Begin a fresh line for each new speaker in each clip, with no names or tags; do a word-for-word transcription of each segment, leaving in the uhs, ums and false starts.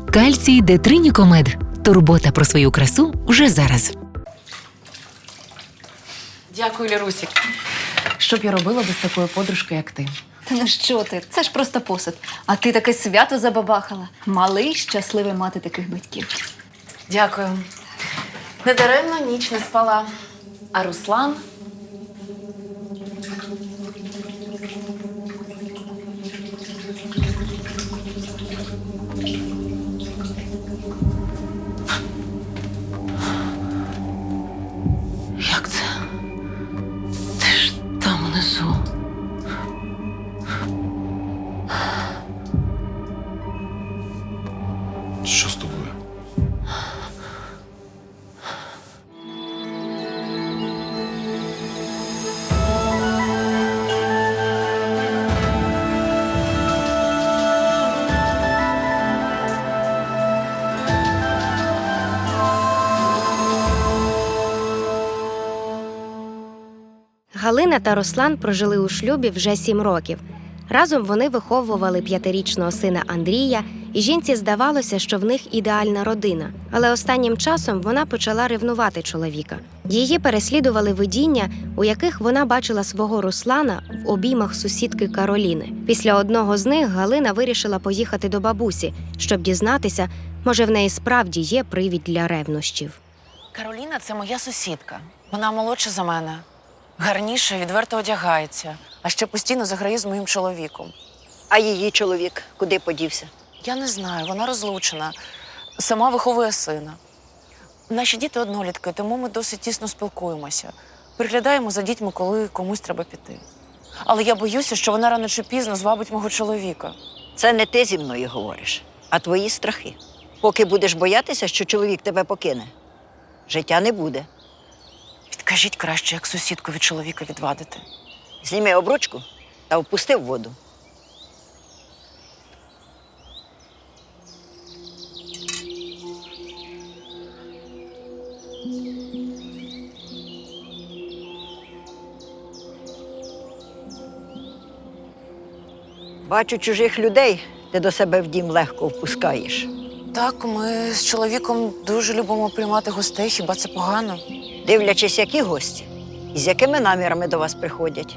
Кальцій Детринікомед. Турбота про свою красу вже зараз.
Дякую, Лірусік. Що б я робила без такої подружки, як ти?
Та ну що ти? Це ж просто посуд. А ти таке свято забабахала. Малий щасливий мати таких батьків.
Дякую. Недаремно ніч не спала. А Руслан? Як це? Ти ж там внизу.
Що з тобою?
Галина та Руслан прожили у шлюбі вже сім років. Разом вони виховували п'ятирічного сина Андрія, і жінці здавалося, що в них ідеальна родина. Але останнім часом вона почала ревнувати чоловіка. Її переслідували видіння, у яких вона бачила свого Руслана в обіймах сусідки Кароліни. Після одного з них Галина вирішила поїхати до бабусі, щоб дізнатися, може в неї справді є привід для ревнощів.
Кароліна – це моя сусідка. Вона молодша за мене. Гарніше, відверто одягається, а ще постійно заграє з моїм чоловіком.
А її чоловік куди подівся?
Я не знаю, вона розлучена. Сама виховує сина. Наші діти однолітки, тому ми досить тісно спілкуємося. Приглядаємо за дітьми, коли комусь треба піти. Але я боюся, що вона рано чи пізно звабить мого чоловіка.
Це не ти зі мною говориш, а твої страхи. Поки будеш боятися, що чоловік тебе покине, життя не буде.
Підкажіть краще, як сусідку від чоловіка відвадити.
Зніми обручку та впусти в воду. Бачу, чужих людей ти до себе в дім легко впускаєш.
Так, ми з чоловіком дуже любимо приймати гостей, хіба це погано?
Дивлячись, які гості і з якими намірами до вас приходять.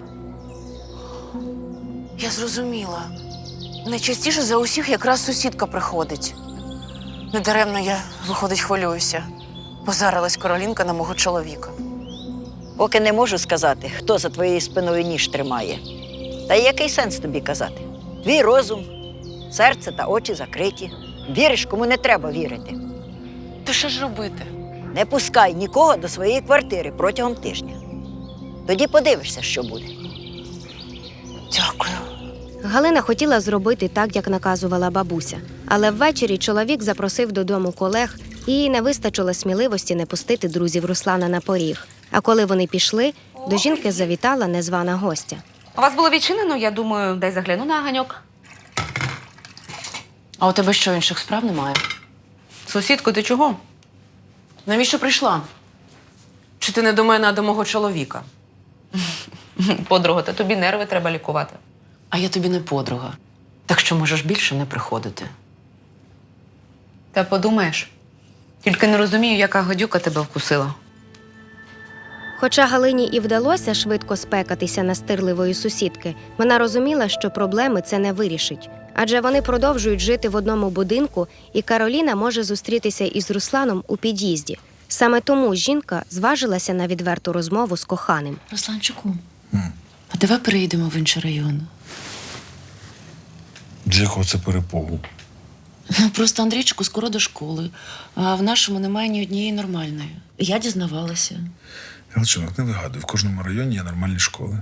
Я зрозуміла. Найчастіше за усіх якраз сусідка приходить. Недаремно я, виходить, хвилююся. Позарилась Каролінка на мого чоловіка.
Поки не можу сказати, хто за твоєю спиною ніж тримає. Та й який сенс тобі казати? Твій розум, серце та очі закриті. Віриш, кому не треба вірити.
То що ж робити?
Не пускай нікого до своєї квартири протягом тижня. Тоді подивишся, що буде.
Дякую.
Галина хотіла зробити так, як наказувала бабуся. Але ввечері чоловік запросив додому колег, і їй не вистачило сміливості не пустити друзів Руслана на поріг. А коли вони пішли, до жінки завітала незвана гостя.
У вас було відчинено, я думаю, дай загляну на ганьок.
А у тебе що, інших справ немає?
Сусідко, ти чого?
Навіщо прийшла? Чи ти не до мене, а до мого чоловіка?
Подруга, та тобі нерви треба лікувати.
А я тобі не подруга. Так що можеш більше не приходити.
Та подумаєш. Тільки не розумію, яка гадюка тебе вкусила.
Хоча Галині і вдалося швидко спекатися настирливої сусідки, вона розуміла, що проблеми це не вирішить. Адже вони продовжують жити в одному будинку, і Кароліна може зустрітися із Русланом у під'їзді. Саме тому жінка зважилася на відверту розмову з коханим.
Русланчику, а давай переїдемо в інший район.
З якого це перепогу?
Ну, просто Андрійчику скоро до школи, а в нашому немає ні однієї нормальної. Я дізнавалася.
Галчинок, не вигадуй, в кожному районі є нормальні школи.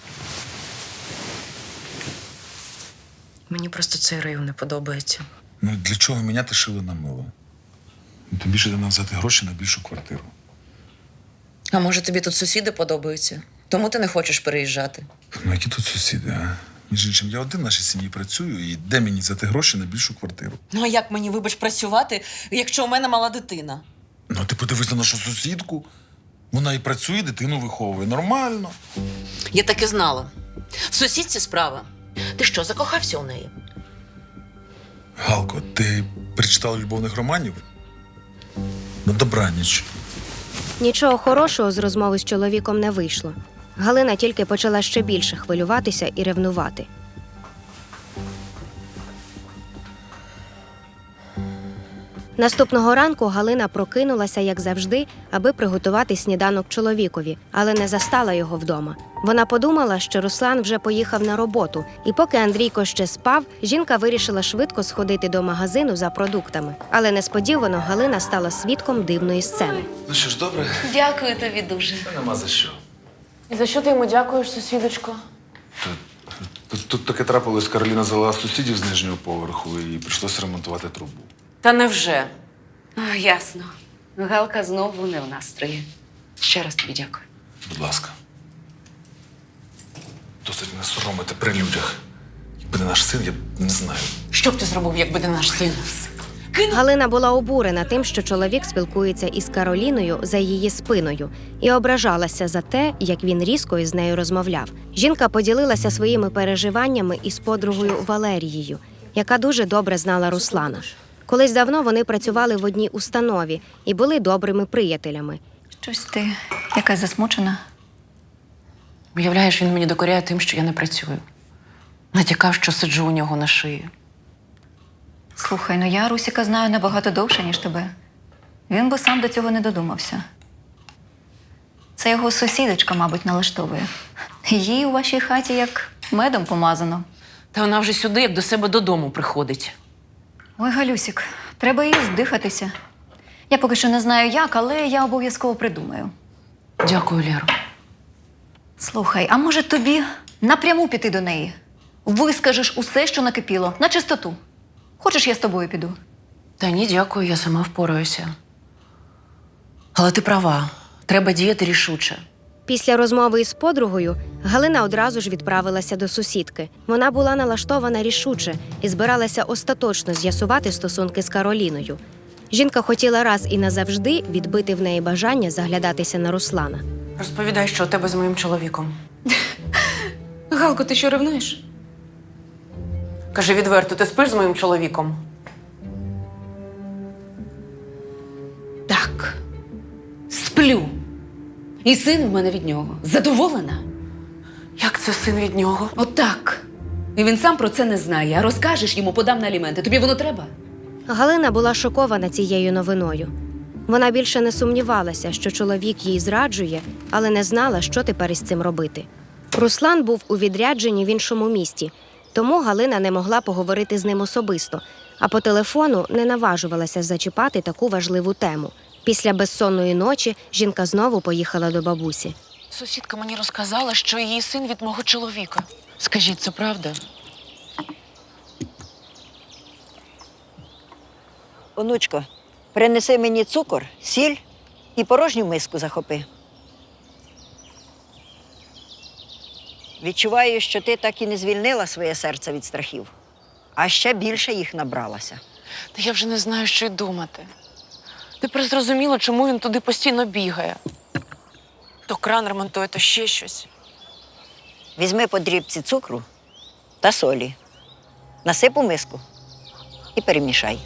Мені просто цей район не подобається.
Ну для чого міняти шило на мило? Ну, тим більше треба взяти гроші на більшу квартиру.
А може, тобі тут сусіди подобаються? Тому ти не хочеш переїжджати?
Ну які тут сусіди, а? Між іншим, я один в нашій сім'ї працюю, і де мені взяти гроші на більшу квартиру?
Ну, а як мені, вибач, працювати, якщо у мене мала дитина?
Ну, ти подивись на нашу сусідку. Вона і працює, дитину виховує. Нормально.
Я так і знала. В сусідці справа. Ти що, закохався у неї?
Галко, ти перечитала любовних романів? На добраніч.
Нічого хорошого з розмови з чоловіком не вийшло. Галина тільки почала ще більше хвилюватися і ревнувати. Наступного ранку Галина прокинулася, як завжди, аби приготувати сніданок чоловікові, але не застала його вдома. Вона подумала, що Руслан вже поїхав на роботу, і поки Андрійко ще спав, жінка вирішила швидко сходити до магазину за продуктами. Але несподівано Галина стала свідком дивної сцени.
Ну що ж, добре?
Дякую тобі дуже.
Та нема за що.
І за що ти йому дякуєш, сусідочко?
Тут, тут таке трапилось, Кароліна звела сусідів з нижнього поверху і прийшлося ремонтувати трубу.
Та невже?
А, ясно. Галка знову не в настрої. Ще раз тобі дякую.
Будь ласка. Досить не соромити при людях. Якби не наш син, я б не знаю.
Що б ти зробив, якби не наш син?
Галина була обурена тим, що чоловік спілкується із Кароліною за її спиною, і ображалася за те, як він різко із нею розмовляв. Жінка поділилася своїми переживаннями із подругою Валерією, яка дуже добре знала Руслана. Колись давно вони працювали в одній установі і були добрими приятелями.
Щось ти якась засмучена.
Уявляєш, він мені докоряє тим, що я не працюю. Натякав, що сиджу у нього на шиї.
Слухай, ну я Русіка знаю набагато довше, ніж тебе. Він би сам до цього не додумався. Це його сусідочка, мабуть, налаштовує. Їй у вашій хаті як медом помазано.
Та вона вже сюди, як до себе додому приходить.
Ой, Галюсік, треба їй здихатися. Я поки що не знаю як, але я обов'язково придумаю.
Дякую, Лєро.
Слухай, а може тобі напряму піти до неї? Вискажеш усе, що накипіло, на чистоту. Хочеш, я з тобою піду?
Та ні, дякую, я сама впораюся. Але ти права, треба діяти рішуче.
Після розмови із подругою Галина одразу ж відправилася до сусідки. Вона була налаштована рішуче і збиралася остаточно з'ясувати стосунки з Кароліною. Жінка хотіла раз і назавжди відбити в неї бажання заглядатися на Руслана.
Розповідай, що у тебе з моїм чоловіком. Галко, ти що, ревнуєш? Кажи відверто, ти спиш з моїм чоловіком?
Так. Сплю. І син в мене від нього. Задоволена?
Як це син від нього?
Отак. І він сам про це не знає, а розкажеш йому, подам на аліменти. Тобі воно треба?
Галина була шокована цією новиною. Вона більше не сумнівалася, що чоловік їй зраджує, але не знала, що тепер із цим робити. Руслан був у відрядженні в іншому місті, тому Галина не могла поговорити з ним особисто, а по телефону не наважувалася зачіпати таку важливу тему. Після безсонної ночі жінка знову поїхала до бабусі.
Сусідка мені розказала, що її син від мого чоловіка. Скажіть, це правда?
Онучко, принеси мені цукор, сіль і порожню миску захопи. Відчуваю, що ти так і не звільнила своє серце від страхів, а ще більше їх набралася.
Та я вже не знаю, що й думати. Тепер зрозуміло, чому він туди постійно бігає. То кран ремонтує, то ще щось.
Візьми по дрібці цукру та солі, насип у миску і перемішай.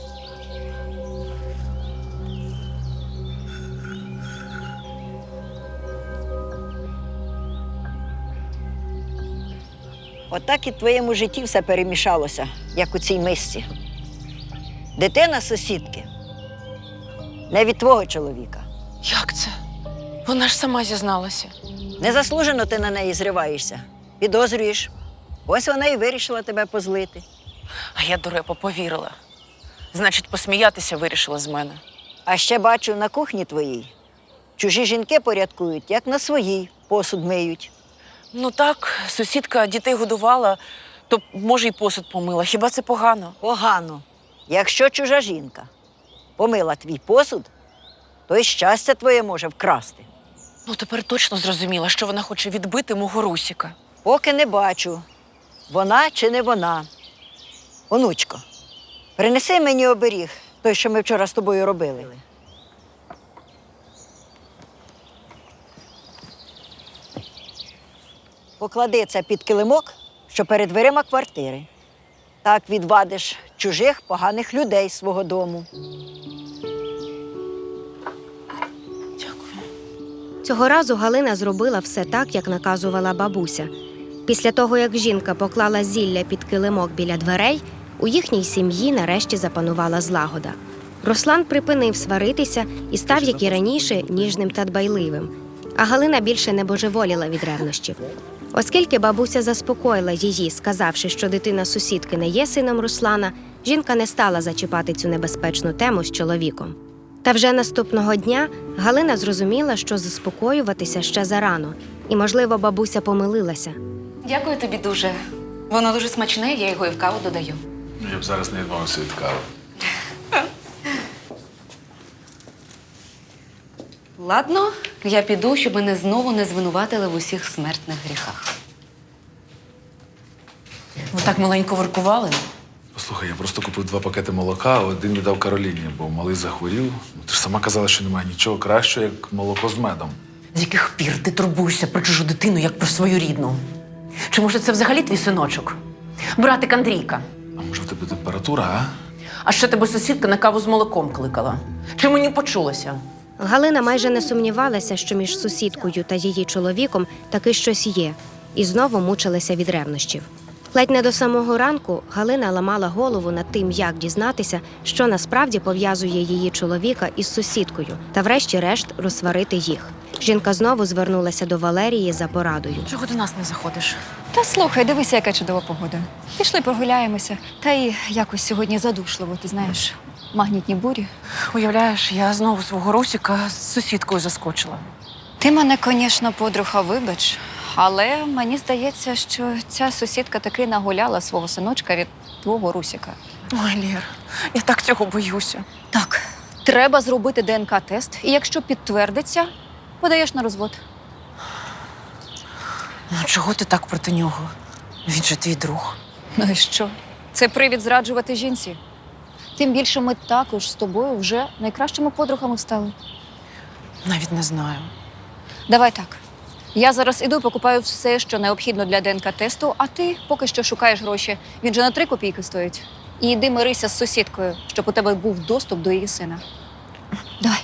Отак і в твоєму житті все перемішалося, як у цій мисці. Дитина сусідки не від твого чоловіка.
Як це? Вона ж сама зізналася.
Незаслужено ти на неї зриваєшся, підозрюєш. Ось вона і вирішила тебе позлити.
А я, дурепа, повірила. Значить, посміятися вирішила з мене.
А ще бачу, на кухні твоїй чужі жінки порядкують, як на своїй посуд миють.
Ну так, сусідка дітей годувала, то, може, й посуд помила. Хіба це погано?
Погано. Якщо чужа жінка помила твій посуд, то й щастя твоє може вкрасти.
Ну, тепер точно зрозуміла, що вона хоче відбити мого Русіка.
Поки не бачу, вона чи не вона. Онучко, принеси мені оберіг, той, що ми вчора з тобою робили. Поклади це під килимок, що перед дверима квартири. Так відвадиш чужих поганих людей з свого дому.
Цього разу Галина зробила все так, як наказувала бабуся. Після того, як жінка поклала зілля під килимок біля дверей, у їхній сім'ї нарешті запанувала злагода. Руслан припинив сваритися і став, як і раніше, ніжним та дбайливим. А Галина більше не божеволіла від ревнощів. Оскільки бабуся заспокоїла її, сказавши, що дитина сусідки не є сином Руслана, жінка не стала зачіпати цю небезпечну тему з чоловіком. Та вже наступного дня Галина зрозуміла, що заспокоюватися ще зарано. І, можливо, бабуся помилилася.
Дякую тобі дуже. Воно дуже смачне, я його і в каву додаю.
Я б зараз не відмовився від кави.
Ладно, я піду, щоб мене знову не звинуватили в усіх смертних гріхах.
Ви так маленько воркували.
Послухай, я просто купив два пакети молока, а один віддав Кароліні, бо малий захворів. Ну, ти ж сама казала, що немає нічого кращого, як молоко з медом.
З яких пір ти турбуєшся про чужу дитину, як про свою рідну? Чи може це взагалі твій синочок? Братик Андрійка.
А може в тебе температура, а?
А ще тебе сусідка на каву з молоком кликала. Чи мені почулося?
Галина майже не сумнівалася, що між сусідкою та її чоловіком таки щось є, і знову мучилася від ревнощів. Ледь не до самого ранку Галина ламала голову над тим, як дізнатися, що насправді пов'язує її чоловіка із сусідкою, та врешті-решт розсварити їх. Жінка знову звернулася до Валерії за порадою.
Чого до нас не заходиш?
Та слухай, дивися, яка чудова погода. Пішли прогуляємося. Та й якось сьогодні задушливо, ти знаєш, магнітні бурі.
Уявляєш, я знову свого Русіка з сусідкою заскочила.
Ти мене, звісно, подруга, вибач, але мені здається, що ця сусідка таки нагуляла свого синочка від твого Русіка.
Ой, Лєр, я так цього боюся.
Так, треба зробити ДНК-тест, і якщо підтвердиться, подаєш на розвод.
Ну чого ти так проти нього? Він же твій друг.
Ну і що? Це привід зраджувати жінці. Тим більше ми також з тобою вже найкращими подругами стали.
Навіть не знаю.
Давай так. Я зараз іду, покупаю все, що необхідно для ДНК-тесту, а ти поки що шукаєш гроші. Він же на три копійки стоїть. І йди мирися з сусідкою, щоб у тебе був доступ до її сина. Давай.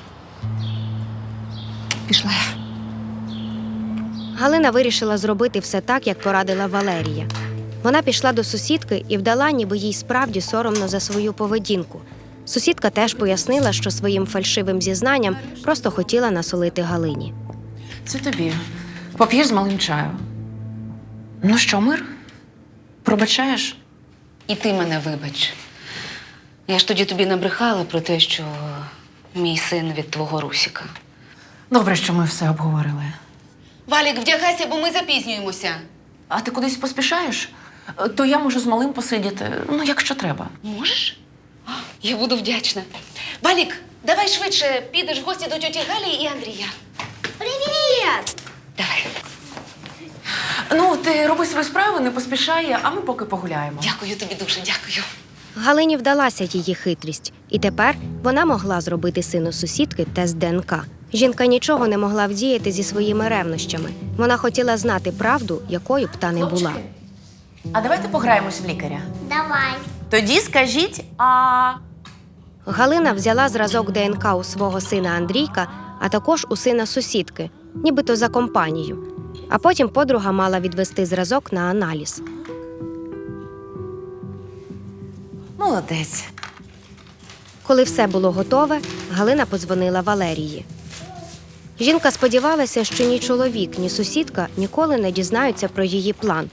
Пішла я.
Галина вирішила зробити все так, як порадила Валерія. Вона пішла до сусідки і вдала, ніби їй справді соромно за свою поведінку. Сусідка теж пояснила, що своїм фальшивим зізнанням просто хотіла насолити Галині.
Це тобі. Поп'єш з малим чаю. Ну що, мир? Пробачаєш?
І ти мене вибач. Я ж тоді тобі набрехала про те, що мій син від твого Русіка.
Добре, що ми все обговорили.
Валік, вдягайся, бо ми запізнюємося.
А ти кудись поспішаєш? То я можу з малим посидіти, ну, якщо треба.
Можеш? А, я буду вдячна. Валік, давай швидше підеш в гості до тьоті Галі і Андрія.
Привіт!
Давай.
Ну, ти роби свою справу, не поспішай, а ми поки погуляємо.
Дякую тобі дуже, дякую.
Галині вдалася її хитрість, і тепер вона могла зробити сину сусідки тест ДНК. Жінка нічого не могла вдіяти зі своїми ревнощами. Вона хотіла знати правду, якою б та не була.
А давайте пограємось в лікаря.
Давай.
Тоді скажіть, а...
Галина взяла зразок ДНК у свого сина Андрійка, а також у сина сусідки, нібито за компанію. А потім подруга мала відвести зразок на аналіз.
Молодець.
Коли все було готове, Галина подзвонила Валерії. Жінка сподівалася, що ні чоловік, ні сусідка ніколи не дізнаються про її план.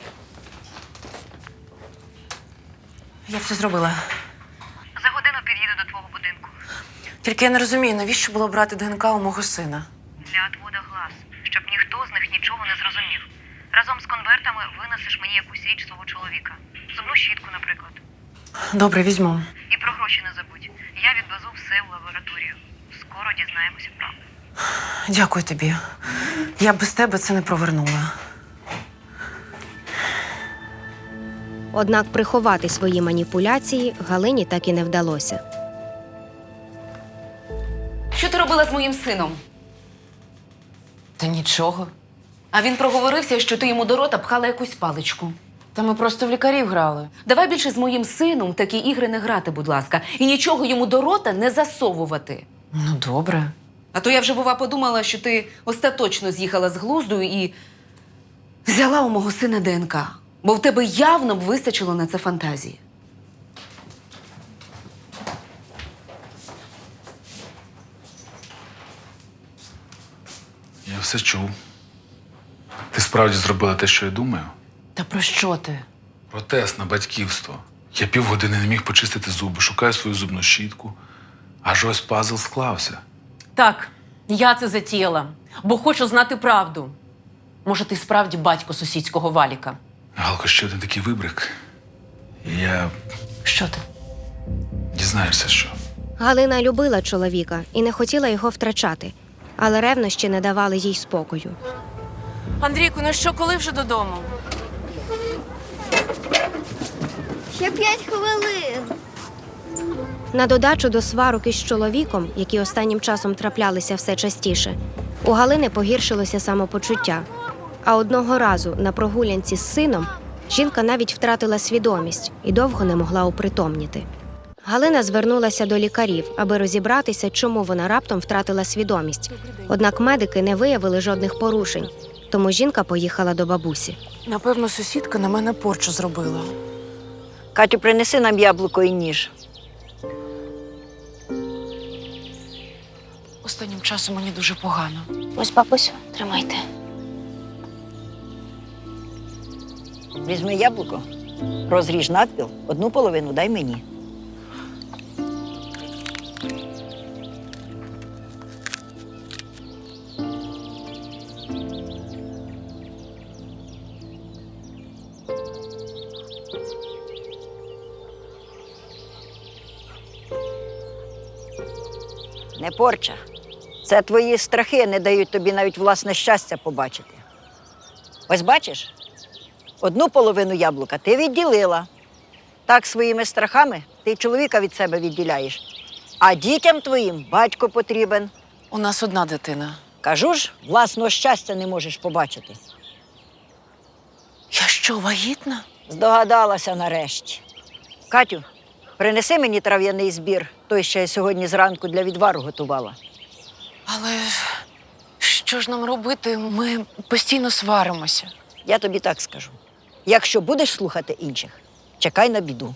Я все зробила.
За годину під'їду до твого будинку.
Тільки я не розумію, навіщо було брати ДНК у мого сина?
Для отвода глаз, щоб ніхто з них нічого не зрозумів. Разом з конвертами винесеш мені якусь річ свого чоловіка. Зубну щітку, наприклад.
Добре, візьму.
І про гроші не забудь. Я відвезу все в лабораторію. Скоро дізнаємося правду.
Дякую тобі. Я б без тебе це не провернула.
Однак приховати свої маніпуляції Галині так і не вдалося.
Що ти робила з моїм сином?
Та нічого.
А він проговорився, що ти йому до рота пхала якусь паличку.
Та ми просто в лікарів грали.
Давай більше з моїм сином в такі ігри не грати, будь ласка, і нічого йому до рота не засовувати.
Ну, добре.
А то я вже, бува, подумала, що ти остаточно з'їхала з глузду і взяла у мого сина ДНК. Бо в тебе явно б вистачило на це фантазії.
Я все чув. Ти справді зробила те, що я думаю?
Та про що ти?
Про тест на батьківство. Я півгодини не міг почистити зуби, шукаю свою зубну щітку. Аж ось пазл склався.
Так, я це затіяла, бо хочу знати правду. Може, ти справді батько сусідського Валіка?
Галко, ще один такий вибрик. І я
Що ти?
дізнаєшся, що.
Галина любила чоловіка і не хотіла його втрачати, але ревнощі не давали їй спокою.
Андрійку, ну що, коли вже додому?
Ще п'ять хвилин.
На додачу до сварок із чоловіком, які останнім часом траплялися все частіше, у Галини погіршилося самопочуття. А одного разу на прогулянці з сином жінка навіть втратила свідомість і довго не могла опритомніти. Галина звернулася до лікарів, аби розібратися, чому вона раптом втратила свідомість. Однак медики не виявили жодних порушень, тому жінка поїхала до бабусі.
Напевно, сусідка на мене порчу зробила.
Катю, принеси нам яблуко і ніж.
Останнім часом мені дуже погано.
Ось, бабусю, тримайте.
Візьми яблуко, розріж надпіл, одну половину дай мені. Не порча. Це твої страхи не дають тобі навіть власне щастя побачити. Ось бачиш? Одну половину яблука ти відділила. Так своїми страхами ти чоловіка від себе відділяєш. А дітям твоїм батько потрібен.
У нас одна дитина.
Кажу ж, власного щастя не можеш побачити.
Я що, вагітна?
Здогадалася нарешті. Катю, принеси мені трав'яний збір, той, що я сьогодні зранку для відвару готувала.
Але що ж нам робити? Ми постійно сваримося.
Я тобі так скажу. Якщо будеш слухати інших, чекай на біду.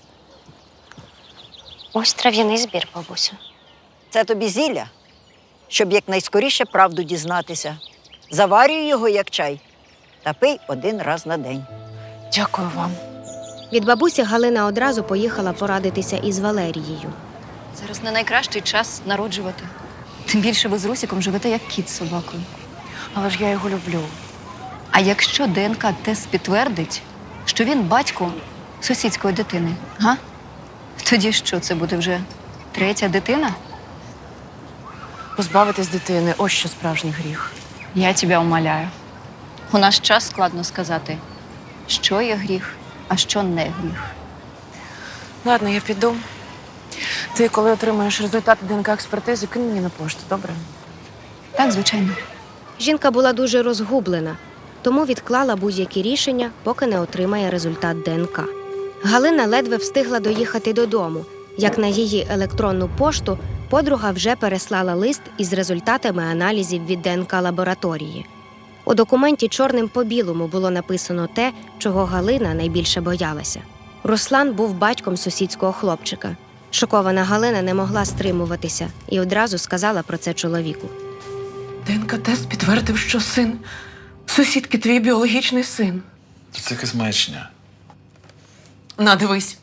Ось трав'яний збір, бабусю.
Це тобі зілля, щоб якнайскоріше правду дізнатися. Заварюй його, як чай, та пий один раз на день.
Дякую вам.
Від бабусі Галина одразу поїхала порадитися із Валерією.
Зараз не найкращий час народжувати. Тим більше ви з Русіком живете як кіт з собакою.
Але ж я його люблю.
А якщо ДНК-тест підтвердить, що він батько сусідської дитини, га? Тоді що, це буде вже третя дитина?
Позбавитись дитини – ось що справжній гріх.
Я тебе умоляю. У наш час складно сказати, що є гріх, а що не гріх.
Ладно, я піду. Ти, коли отримаєш результати ДНК-експертизи, кинь мені на пошту, добре?
Так, звичайно.
Жінка була дуже розгублена, тому відклала будь-які рішення, поки не отримає результат ДНК. Галина ледве встигла доїхати додому, як на її електронну пошту подруга вже переслала лист із результатами аналізів від ДНК-лабораторії. У документі чорним по білому було написано те, чого Галина найбільше боялася. Руслан був батьком сусідського хлопчика. Шокована Галина не могла стримуватися і одразу сказала про це чоловіку.
ДНК-тест підтвердив, що син сусідки твій біологічний син.
Та це якась маячня.
На, дивись.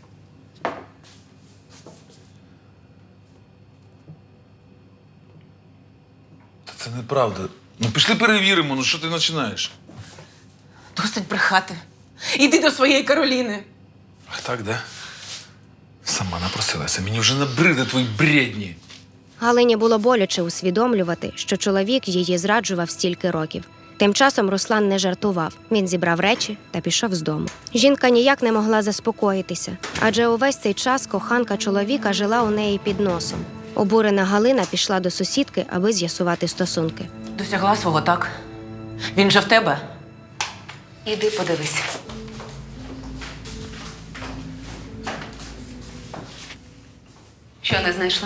Та це неправда. Ну пішли перевіримо, ну що ти починаєш?
Досить брехати. Іди до своєї Кароліни.
Ах так, да? Сама напросилася. Мені вже набриде твої бредні.
Галині було боляче усвідомлювати, що чоловік її зраджував стільки років. Тим часом Руслан не жартував. Він зібрав речі та пішов з дому. Жінка ніяк не могла заспокоїтися, адже увесь цей час коханка чоловіка жила у неї під носом. Обурена Галина пішла до сусідки, аби з'ясувати стосунки.
Досягла свого, так? Він же в тебе? Іди подивись.
Що не знайшла?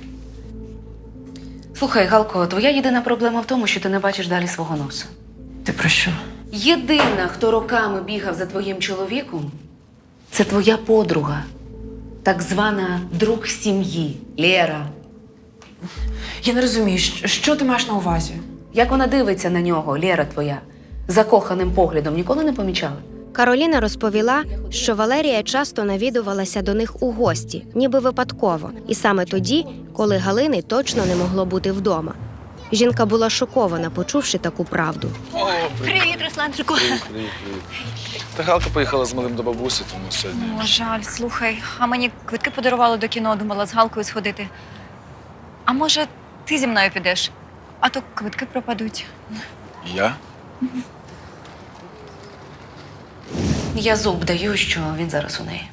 Слухай, Галко, твоя єдина проблема в тому, що ти не бачиш далі свого носу.
Ти про що?
Єдина, хто роками бігав за твоїм чоловіком, це твоя подруга. Так звана друг сім'ї Лєра.
Я не розумію, що, що ти маєш на увазі?
Як вона дивиться на нього, Лєра твоя, закоханим поглядом, ніколи не помічала?
Кароліна розповіла, що Валерія часто навідувалася до них у гості, ніби випадково, і саме тоді, коли Галини точно не могло бути вдома. Жінка була шокована, почувши таку правду.
О,
Привіт, Русланчику.
Привіт, привіт, привіт. Та Галка поїхала з малим до бабусі, тому сьогодні.
О, жаль, слухай, а мені квитки подарували до кіно, думала з Галкою сходити. А може, ти зі мною підеш? А то квитки пропадуть.
Я?
Я зуб даю, що він зараз у неї.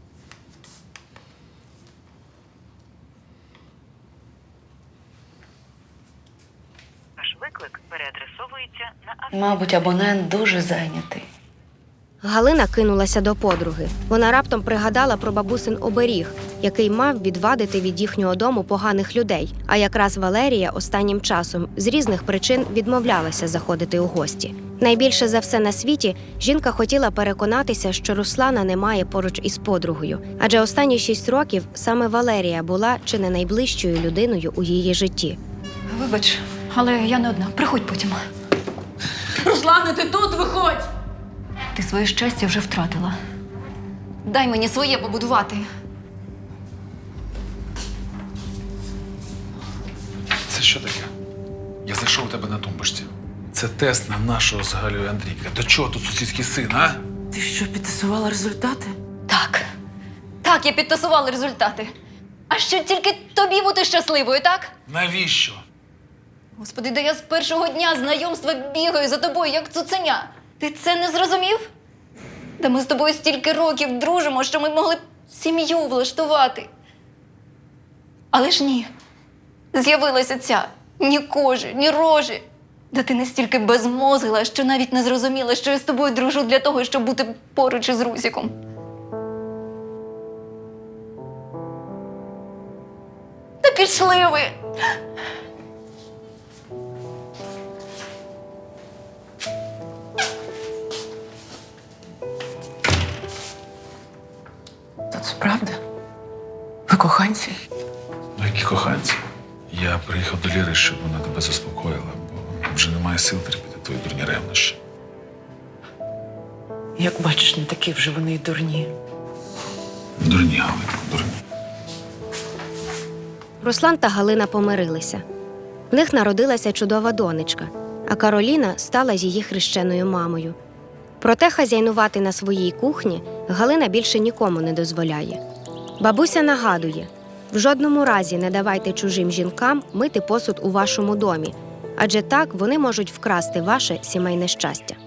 Ваш виклик переадресовується на
Мабуть, абонент дуже зайнятий.
Галина кинулася до подруги. Вона раптом пригадала про бабусин оберіг, який мав відвадити від їхнього дому поганих людей. А якраз Валерія останнім часом з різних причин відмовлялася заходити у гості. Найбільше за все на світі жінка хотіла переконатися, що Руслана немає поруч із подругою. Адже останні шість років саме Валерія була чи не найближчою людиною у її житті.
Вибач, але я не одна. Приходь потім.
Руслане, ти тут виходь!
Ти своє щастя вже втратила. Дай мені своє побудувати.
Це що таке? Я зайшов у тебе на тумбочці. Це тест на нашого з Галею Андрійка. До чого тут сусідський син, а?
Ти що, підтасувала результати?
Так. Так, я підтасувала результати. А що тільки тобі бути щасливою, так?
Навіщо?
Господи, да я з першого дня знайомства бігаю за тобою, як цуценя. Ти це не зрозумів? Да ми з тобою стільки років дружимо, що ми могли б сім'ю влаштувати. Але ж ні. З'явилася ця ні кожи, ні рожі. Да ти настільки безмозгла, що навіть не зрозуміла, що я з тобою дружу для того, щоб бути поруч із Русіком. Та пішли ви!
Та це правда? Ви коханці?
Ну, які коханці. Я приїхав до Ліри, щоб вона тебе заспокоїла, бо вже немає сил терпіти твої дурні ревнощі.
Як бачиш, не такі вже вони й дурні.
Дурні, Галинко, дурні.
Руслан та Галина помирилися. В них народилася чудова донечка, а Кароліна стала її хрещеною мамою. Проте хазяйнувати на своїй кухні Галина більше нікому не дозволяє. Бабуся нагадує, в жодному разі не давайте чужим жінкам мити посуд у вашому домі, адже так вони можуть вкрасти ваше сімейне щастя.